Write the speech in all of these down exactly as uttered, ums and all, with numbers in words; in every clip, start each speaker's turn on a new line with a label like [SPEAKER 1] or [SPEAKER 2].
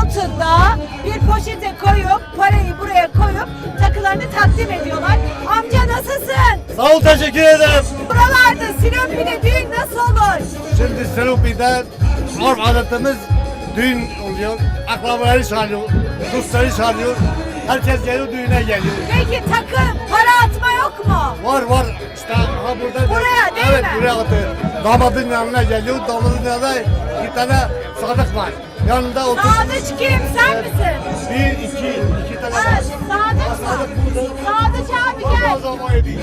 [SPEAKER 1] altında bir poşete koyup parayı buraya koyup takılarını takdim ediyorlar. Amca nasılsın?
[SPEAKER 2] Sağ ol, teşekkür ederim.
[SPEAKER 1] Buralarda Silopi'de düğün nasıl olur?
[SPEAKER 2] Şimdi Silopi'de arf adetimiz düğün oluyor. Akrabaları çağırıyor, dostları çağırıyor. Herkes geliyor, düğüne geliyor.
[SPEAKER 1] Peki takı, para atma yok mu?
[SPEAKER 2] Var var, işte ha burada.
[SPEAKER 1] Buraya değil
[SPEAKER 2] evet,
[SPEAKER 1] mi?
[SPEAKER 2] buraya atıyor. Damadın yanına geliyor, damadın yanında bir tane sadık var. Yanında otur.
[SPEAKER 1] Sadıç kim? Sen misin?
[SPEAKER 2] Bir, iki, iki tane
[SPEAKER 1] Ha,
[SPEAKER 2] var.
[SPEAKER 1] Sadıç mı? Sadıç abi gel.
[SPEAKER 2] Allah zaman ediyor.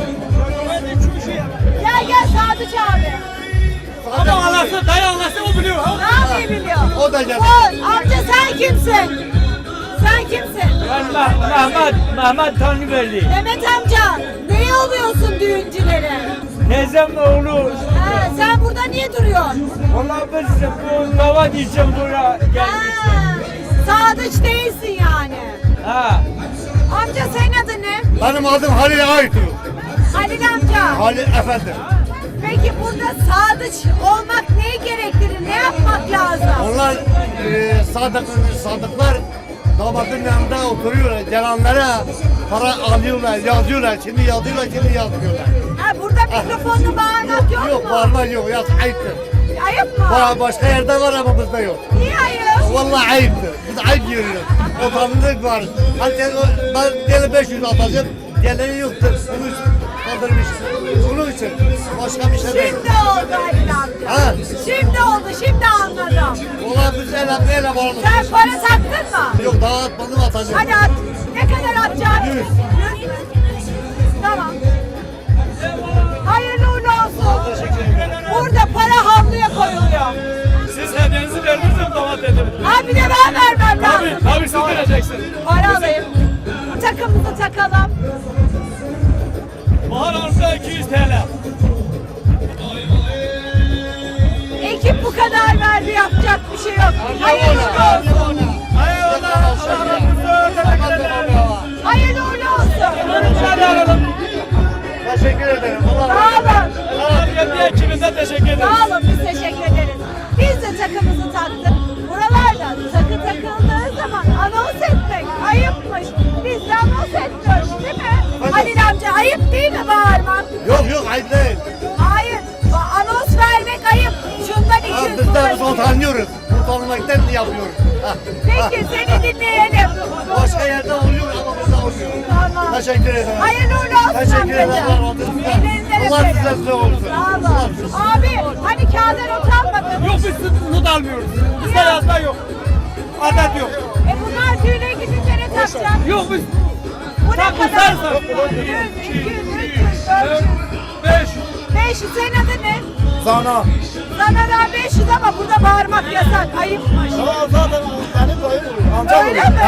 [SPEAKER 1] Gel gel Sadıç abi.
[SPEAKER 3] Adam anlasın, dayı anlasın, o biliyor.
[SPEAKER 1] Ne yapayım biliyor?
[SPEAKER 2] O da geldi.
[SPEAKER 1] O, amca sen kimsin? Sen kimsin?
[SPEAKER 3] Ben Meh- Mehmet, Mehmet Tanrıverdi.
[SPEAKER 1] Mehmet amca, neye oluyorsun düğüncülere?
[SPEAKER 3] Teyzem oğlu.
[SPEAKER 1] Ha, sen burada niye duruyorsun?
[SPEAKER 3] Vallahi biz bu davat için buraya gelmiştik.
[SPEAKER 1] Ha, Sadıç değilsin yani.
[SPEAKER 3] Ha.
[SPEAKER 1] Amca senin adın ne?
[SPEAKER 2] Benim adım Halil Aytu.
[SPEAKER 1] Halil amca.
[SPEAKER 2] Halil efendim.
[SPEAKER 1] Peki burada sadıç olmak neyi gerektirir? Ne yapmak lazım?
[SPEAKER 2] Onlar e, sadık, sadıklar damadın yanında oturuyorlar. Gelenlere para alıyorlar, yazıyorlar. Şimdi yazıyorlar, şimdi yazmıyorlar.
[SPEAKER 1] Ha, burada mikrofonla bağırmak yok,
[SPEAKER 2] Yok,
[SPEAKER 1] mu?
[SPEAKER 2] bağırma yok, yaz ayıptır.
[SPEAKER 1] Ayıp mı?
[SPEAKER 2] Ba- Başka yerde var ama bizde yok.
[SPEAKER 1] Niye ayıp?
[SPEAKER 2] Vallahi ayıptır. Biz ayıp görüyoruz. Utanırlık var. Herkes, ben gene beş yüz atacağım. Geleni yoktur. Bunu kaldırmış. Bunun için. Başka bir şey değil.
[SPEAKER 1] Şimdi oldu Halil amca.
[SPEAKER 2] Ha.
[SPEAKER 1] Şimdi oldu, şimdi anladım.
[SPEAKER 2] Vallahi biz ele, ele bağlı.
[SPEAKER 1] Sen para taktın mı?
[SPEAKER 2] Yok, daha atmadım, atacağım.
[SPEAKER 1] Hadi at. Ne kadar atacaksın?
[SPEAKER 2] Yüz.
[SPEAKER 1] Yüz mü? Tamam. Hayırlı uğurlu olsun. Burada para havluya koyuluyor.
[SPEAKER 3] Siz hediyenizi verdiniz mi damat dedim.
[SPEAKER 1] Ha bir de ben vermem
[SPEAKER 3] Tabii,
[SPEAKER 1] lazım.
[SPEAKER 3] tabii siz vereceksin.
[SPEAKER 1] Para alayım. Takımımızı takalım.
[SPEAKER 3] Bahar Hanım'da iki yüz T L.
[SPEAKER 1] Ekip bu kadar verdi, yapacak bir şey yok. Hayırlı uğurlu olsun. Hayırlı uğurlu olsun.
[SPEAKER 2] Teşekkür ederim. Allah
[SPEAKER 1] Sağ olun.
[SPEAKER 3] Kendi ekibinde teşekkür ederim.
[SPEAKER 1] Sağ olun, biz teşekkür ederiz. Biz de takımızı taktık. Buralarda takı takıldığı zaman anons etmek ayıpmış. Biz de anons etmiyoruz değil mi? Halil amca, ayıp değil mi bağırmak?
[SPEAKER 2] Yok yok, ayıp değil.
[SPEAKER 1] Hayır, ba- anons vermek ayıp. Şundan
[SPEAKER 2] Ha,
[SPEAKER 1] iki yüz
[SPEAKER 2] biz de
[SPEAKER 1] bundan
[SPEAKER 2] biz
[SPEAKER 1] iki yüz.
[SPEAKER 2] utanıyoruz. Utanmaktan yapıyoruz. Ha, ha.
[SPEAKER 1] Peki seni dinleyelim.
[SPEAKER 2] Başka yerde oluyor ama burada oluyor.
[SPEAKER 1] Tamam.
[SPEAKER 2] Teşekkür ederim.
[SPEAKER 1] Hayırlı uğurlu olsun
[SPEAKER 2] Teşekkür ederim.
[SPEAKER 1] amcacığım.
[SPEAKER 2] Allah razı olsun.
[SPEAKER 1] Ellerinden
[SPEAKER 2] Allah
[SPEAKER 1] öperim.
[SPEAKER 2] sizden olsun.
[SPEAKER 1] Sağ olun. Abi hani kağıda not almadın.
[SPEAKER 3] Yok biz not almıyoruz. Bizde yazma yok. Adet yok.
[SPEAKER 1] E bunlar düğüne gidince ne takacak?
[SPEAKER 3] Yok biz
[SPEAKER 1] Bu ne
[SPEAKER 3] Takı
[SPEAKER 1] kadar?
[SPEAKER 3] sarsak.
[SPEAKER 1] yüz, iki yüz, üç yüz, dört yüz.
[SPEAKER 3] beş.
[SPEAKER 1] beş yüz, senin adın ne?
[SPEAKER 2] Sana.
[SPEAKER 1] Sana da beş yüz ama burada bağırmak yasak, ayıpmış.
[SPEAKER 2] Tamam, zaten benim dayım.
[SPEAKER 1] Öyle mi?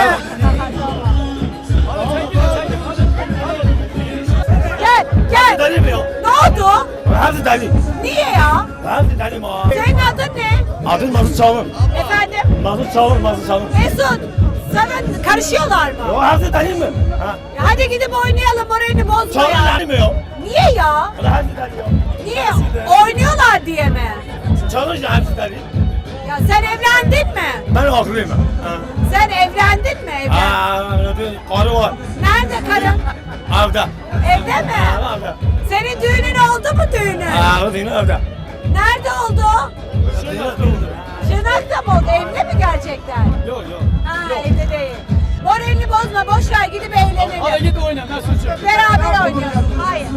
[SPEAKER 1] Gel, gel.
[SPEAKER 3] Deli mi ya?
[SPEAKER 1] Ne oldu?
[SPEAKER 3] Hadi deli.
[SPEAKER 1] Niye ya?
[SPEAKER 3] Hadi deli mi?
[SPEAKER 1] Senin adın ne?
[SPEAKER 3] Adın Mazı Çavur.
[SPEAKER 1] Efendim?
[SPEAKER 3] Mazı Çavur, Mazı Çavur.
[SPEAKER 1] Mesut, sana karışıyorlar mı?
[SPEAKER 3] O hadi deli mi? Ha.
[SPEAKER 1] Ya hadi gidip oynayalım, moralini bozma
[SPEAKER 3] Çavur
[SPEAKER 1] ya.
[SPEAKER 3] deli mi ya?
[SPEAKER 1] Niye ya?
[SPEAKER 3] Hadi deli ya.
[SPEAKER 1] Niye? Oynuyorlar diye mi?
[SPEAKER 3] Çavur ya hadi deli.
[SPEAKER 1] Ya sen evlendin mi?
[SPEAKER 3] Ben haklıyım. Ha.
[SPEAKER 1] Sen evlendin mi? Evlen.
[SPEAKER 3] Aa, karı var.
[SPEAKER 1] Nerede karın?
[SPEAKER 3] Evde.
[SPEAKER 1] Evde mi?
[SPEAKER 3] Ha, evde.
[SPEAKER 1] Senin düğünün oldu mu düğünün?
[SPEAKER 3] Aa, o değil evde.
[SPEAKER 1] Nerede oldu?
[SPEAKER 3] Şimdi oldu.
[SPEAKER 1] Şırnak'ta mı oldu? Evde mi gerçekten?
[SPEAKER 3] Yok yok.
[SPEAKER 1] Ha, evde değil. Moralini bozma, boş ver, gidip eğlenelim.
[SPEAKER 3] Hadi git oyna nasıl olacak?
[SPEAKER 1] Beraber oynayalım. Hayır.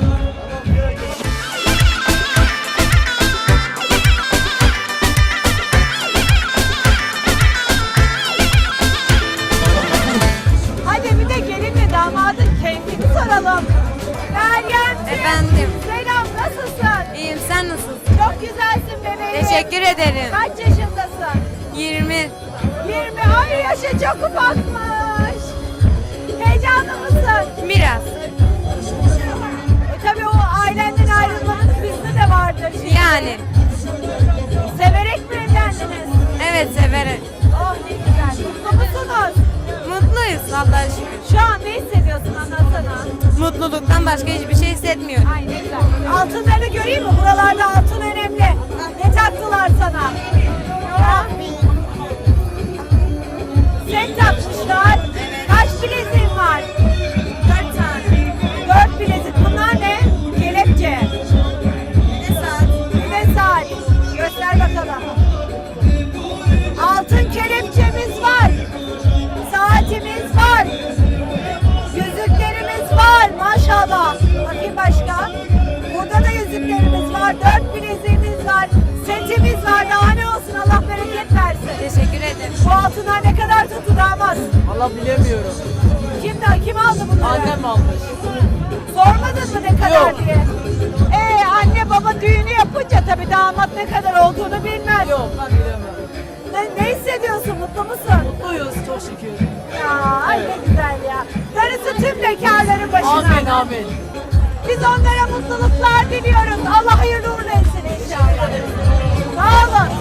[SPEAKER 1] Hadi bir de gelinle damadın keyfini soralım. Meryem.
[SPEAKER 4] Efendim.
[SPEAKER 1] Selam, nasılsın?
[SPEAKER 4] İyiyim, sen nasılsın?
[SPEAKER 1] Çok güzelsin bebeğim.
[SPEAKER 4] Teşekkür ederim.
[SPEAKER 1] Kaç yaşındasın?
[SPEAKER 4] yirmi.
[SPEAKER 1] yirmi. Ay yaşı çok ufakmış. Heyecanlı mısın?
[SPEAKER 4] Biraz.
[SPEAKER 1] E tabii o ailenden ayrılmanız bizde de vardır. Şimdi.
[SPEAKER 4] Yani.
[SPEAKER 1] Severek mi evlendiniz?
[SPEAKER 4] Evet, severim.
[SPEAKER 1] Oh ne güzel. Mutlu musunuz?
[SPEAKER 4] Mutluyuz Allah'a şükür.
[SPEAKER 1] Şu an ne hissediyorsun, anlatsana.
[SPEAKER 4] Mutluluktan başka hiçbir şey hissetmiyorum.
[SPEAKER 1] Ay ne güzel. Altınlarını göreyim mi? Buralarda altın önemli. Ne taktılar sana? Ha? Altın kelepçemiz var. Saatimiz var. Yüzüklerimiz var maşallah. Bakayım başka. Burada da yüzüklerimiz var. Dört bileziğimiz var. Setimiz var. Daha ne olsun, Allah bereket versin.
[SPEAKER 4] Teşekkür ederim.
[SPEAKER 1] Bu altınlar ne kadar tuttu damat?
[SPEAKER 3] Allah bilemiyorum.
[SPEAKER 1] Kim, de, kim aldı bunları?
[SPEAKER 3] Annem almış.
[SPEAKER 1] Sormadın mı ne kadar
[SPEAKER 3] Yok.
[SPEAKER 1] diye? Ee, anne baba düğünü yapınca tabii damat ne kadar olduğunu bilmez.
[SPEAKER 3] Yok ben bilemiyorum.
[SPEAKER 1] Ne, ne hissediyorsun? Mutlu musun?
[SPEAKER 3] Mutluyuz çok şükür.
[SPEAKER 1] Ya ay ne güzel ya. Darısı tüm bekarların başına.
[SPEAKER 3] Amin amin.
[SPEAKER 1] Biz onlara mutluluklar diliyoruz. Allah hayırlı uğurlu etsin inşallah. Sağ olun.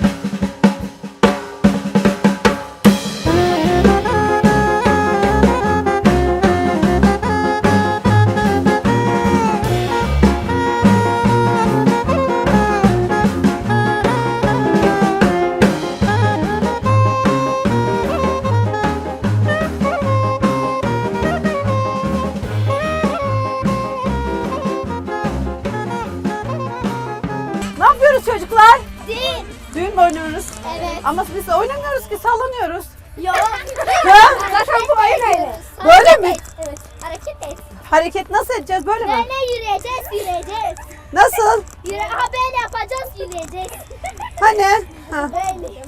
[SPEAKER 1] Ne yapıyoruz çocuklar?
[SPEAKER 5] Değil.
[SPEAKER 1] Düğün mü oynuyoruz?
[SPEAKER 5] Evet.
[SPEAKER 1] Ama biz oynamıyoruz ki, sallanıyoruz.
[SPEAKER 5] Yok.
[SPEAKER 1] Ha? Zaten bu oyun öyle. Böyle mi?
[SPEAKER 5] Evet. Hareket et.
[SPEAKER 1] Hareket nasıl edeceğiz, böyle mi?
[SPEAKER 5] Böyle yürüyeceğiz, yürüyeceğiz.
[SPEAKER 1] Nasıl?
[SPEAKER 5] Yürü, ha böyle yapacağız, yürüyeceğiz.
[SPEAKER 1] Hani? Ha.
[SPEAKER 5] Böyle.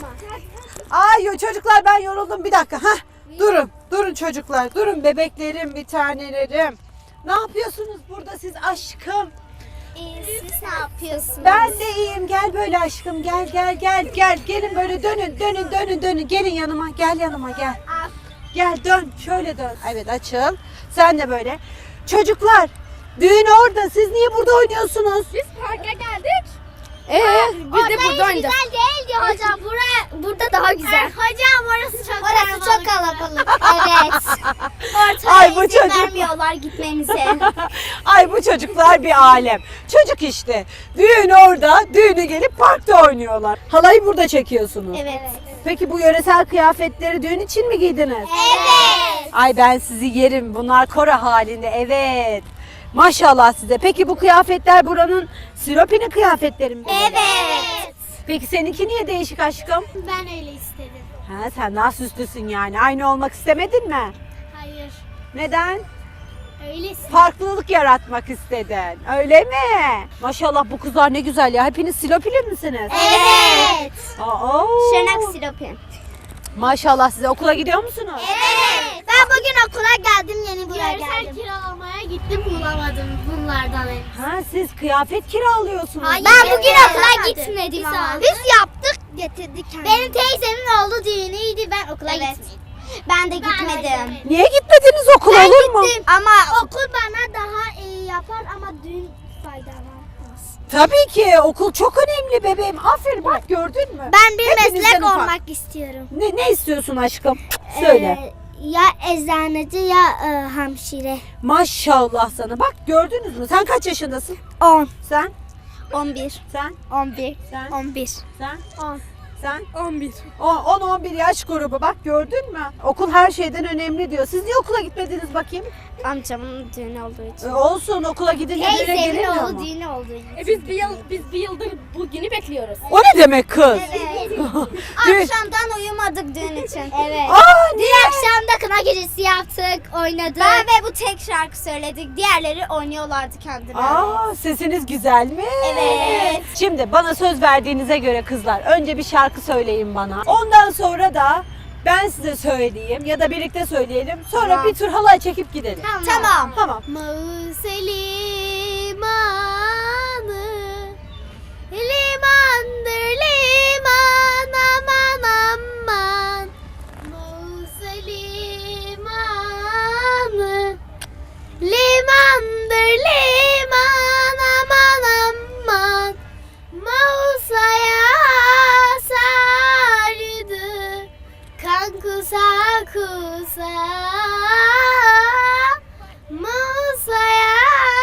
[SPEAKER 1] Ay yo, çocuklar ben yoruldum, bir dakika. Hah. Durun, durun çocuklar, durun bebeklerim, bir tanelerim. Ne yapıyorsunuz burada siz aşkım?
[SPEAKER 5] Ee, siz ne yapıyorsunuz?
[SPEAKER 1] Ben de iyiyim, gel böyle aşkım, gel gel gel gel. Gelin böyle dönün, dönün, dönün, dönün. Gelin yanıma, gel yanıma, gel.
[SPEAKER 5] Al.
[SPEAKER 1] Gel dön, şöyle dön. Evet açıl. Sen de böyle. Çocuklar, düğün orada. Siz niye burada oynuyorsunuz?
[SPEAKER 5] Biz parka geldik.
[SPEAKER 1] Ee,
[SPEAKER 5] Biz de burada oynayacağız. Güzel değildi hocam. Buraya, burada daha güzel. hocam orası çok orası çok kalabalık. Evet. Ortaya
[SPEAKER 1] Ay, bu
[SPEAKER 5] izin
[SPEAKER 1] çocuk-
[SPEAKER 5] vermiyorlar gitmemize.
[SPEAKER 1] Ay bu çocuklar bir alem. Çocuk işte. Düğün orada, düğünü gelip parkta oynuyorlar. Halayı burada çekiyorsunuz.
[SPEAKER 5] Evet.
[SPEAKER 1] Peki bu yöresel kıyafetleri düğün için mi giydiniz?
[SPEAKER 5] Evet.
[SPEAKER 1] Ay ben sizi yerim. Bunlar kora halinde. Evet. Maşallah size. Peki bu kıyafetler buranın Silopi'nin kıyafetleri mi?
[SPEAKER 5] Evet.
[SPEAKER 1] Peki seninki niye değişik aşkım?
[SPEAKER 5] Ben öyle istedim.
[SPEAKER 1] Ha, sen daha süslüsün yani. Aynı olmak istemedin mi?
[SPEAKER 5] Hayır.
[SPEAKER 1] Neden?
[SPEAKER 5] Öyle istedim.
[SPEAKER 1] Farklılık yaratmak istedin. Öyle mi? Maşallah bu kızlar ne güzel ya. Hepiniz Silopili misiniz?
[SPEAKER 5] Evet.
[SPEAKER 1] Aa,
[SPEAKER 5] Şırnak siropi.
[SPEAKER 1] maşallah size. Okula gidiyor musunuz?
[SPEAKER 5] Evet. Ben bugün okula geldim, yeni buraya geldim. Görsel kiralamaya gittim, bulamadım bunlardan.
[SPEAKER 1] Ha, siz kıyafet kiralıyorsunuz.
[SPEAKER 5] Ben bugün okula gitmedim ama. Biz yaptık, getirdik kendimiz. Benim teyzemin oğlu düğünüydü, ben okula gitmedim. Ben de gitmedim.
[SPEAKER 1] Niye gitmediniz okula,
[SPEAKER 5] Ben
[SPEAKER 1] olur mu?
[SPEAKER 5] gittim ama okul bana daha iyi yapar ama düğün faydalanmaz.
[SPEAKER 1] Tabii ki okul çok önemli bebeğim. Aferin bak, gördün mü?
[SPEAKER 5] Ben bir
[SPEAKER 1] Hepinizden
[SPEAKER 5] meslek
[SPEAKER 1] ufak.
[SPEAKER 5] olmak istiyorum.
[SPEAKER 1] Ne, ne istiyorsun aşkım? Söyle.
[SPEAKER 5] Ee, ya eczaneci ya e, hamşire.
[SPEAKER 1] Maşallah sana. Bak gördünüz mü? Sen kaç yaşındasın?
[SPEAKER 5] on.
[SPEAKER 1] Sen?
[SPEAKER 5] on bir.
[SPEAKER 1] Sen?
[SPEAKER 5] on bir.
[SPEAKER 1] Sen?
[SPEAKER 5] on bir.
[SPEAKER 1] Sen?
[SPEAKER 5] on.
[SPEAKER 1] Sen?
[SPEAKER 5] on bir.
[SPEAKER 1] on on bir yaş grubu, bak gördün mü? Okul her şeyden önemli diyor. Siz niye okula gitmediniz bakayım?
[SPEAKER 5] Amcamın düğünü olduğu için.
[SPEAKER 1] E, olsun, okula gidince düğüne
[SPEAKER 5] Teyzemin
[SPEAKER 1] gelinmiyor
[SPEAKER 5] oğlu
[SPEAKER 1] mu?
[SPEAKER 5] düğünü olduğu için.
[SPEAKER 6] E biz bir yıl biz bir yıldır bu günü bekliyoruz.
[SPEAKER 1] O ne demek kız?
[SPEAKER 5] Evet.
[SPEAKER 1] Düğün-
[SPEAKER 5] Akşamdan uyumadık düğün için. Evet.
[SPEAKER 1] Aa, niye?
[SPEAKER 5] Dün akşam da kına gecesi yaptık, oynadık. Ben ve bu tek şarkı söyledik. Diğerleri oynuyorlardı kendileri.
[SPEAKER 1] Aa, sesiniz güzel mi?
[SPEAKER 5] Evet.
[SPEAKER 1] Şimdi bana söz verdiğinize göre kızlar, önce bir şarkı söyleyin bana. Ondan sonra da ben size söyleyeyim ya da birlikte söyleyelim. Sonra
[SPEAKER 5] Tamam.
[SPEAKER 1] bir tur halay çekip gidelim.
[SPEAKER 5] Tamam.
[SPEAKER 1] Tamam.
[SPEAKER 5] Mausa limanı, limandır liman, aman aman. Mausa limanı, limandır liman, aman aman. Mausa'ya sardı, kan kusa kusa. Mausa'ya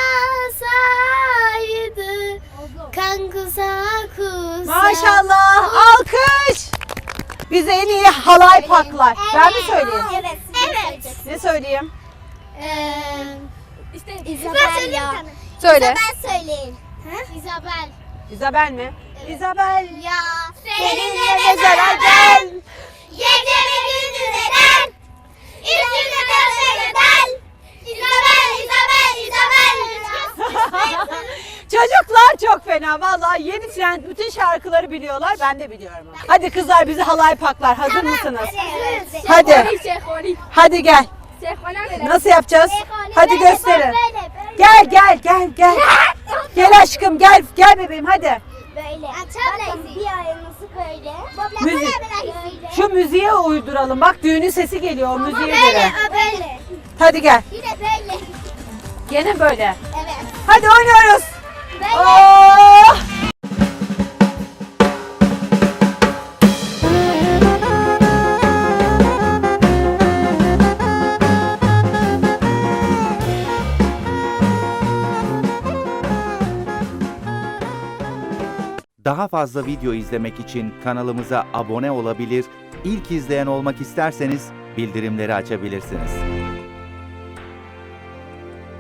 [SPEAKER 5] sardı, kan kusa kusa.
[SPEAKER 1] Maşallah, alkış. Bize en iyi halay paklar. Ben mi söyleyeyim?
[SPEAKER 5] Evet. Evet.
[SPEAKER 1] Ne söyleyeyim?
[SPEAKER 5] Ee,
[SPEAKER 6] İşte
[SPEAKER 5] İzabel ya.
[SPEAKER 1] Söyle.
[SPEAKER 5] İzabel söyleyin. İzabel.
[SPEAKER 1] İzabel mi? İzabel.
[SPEAKER 5] Ya
[SPEAKER 1] Seninle mezara gel. ya. Vallahi yeni trend bütün şarkıları biliyorlar. Ben de biliyorum. Hadi kızlar bizi halay paklar. Hazır mısınız?
[SPEAKER 5] Evet.
[SPEAKER 1] Hadi.
[SPEAKER 6] Şehvani.
[SPEAKER 1] Hadi gel.
[SPEAKER 6] Şehvani ne?
[SPEAKER 1] Nasıl yapacağız? Hadi
[SPEAKER 5] Böyle,
[SPEAKER 1] gösterin.
[SPEAKER 5] böyle, böyle.
[SPEAKER 1] Gel gel gel gel. Gel aşkım gel. Gel bebeğim hadi.
[SPEAKER 5] Böyle. Bakın bir ayağınızı böyle.
[SPEAKER 1] Müzik.
[SPEAKER 5] Böyle.
[SPEAKER 1] Şu müziğe uyduralım. Bak düğünün sesi geliyor o müziğe
[SPEAKER 5] Böyle,
[SPEAKER 1] göre.
[SPEAKER 5] böyle.
[SPEAKER 1] Hadi gel.
[SPEAKER 5] Yine böyle.
[SPEAKER 1] Gene böyle.
[SPEAKER 5] Evet.
[SPEAKER 1] Hadi oynuyoruz.
[SPEAKER 5] Böyle.
[SPEAKER 1] Oh!
[SPEAKER 7] Daha fazla video izlemek için kanalımıza abone olabilir, ilk izleyen olmak isterseniz bildirimleri açabilirsiniz.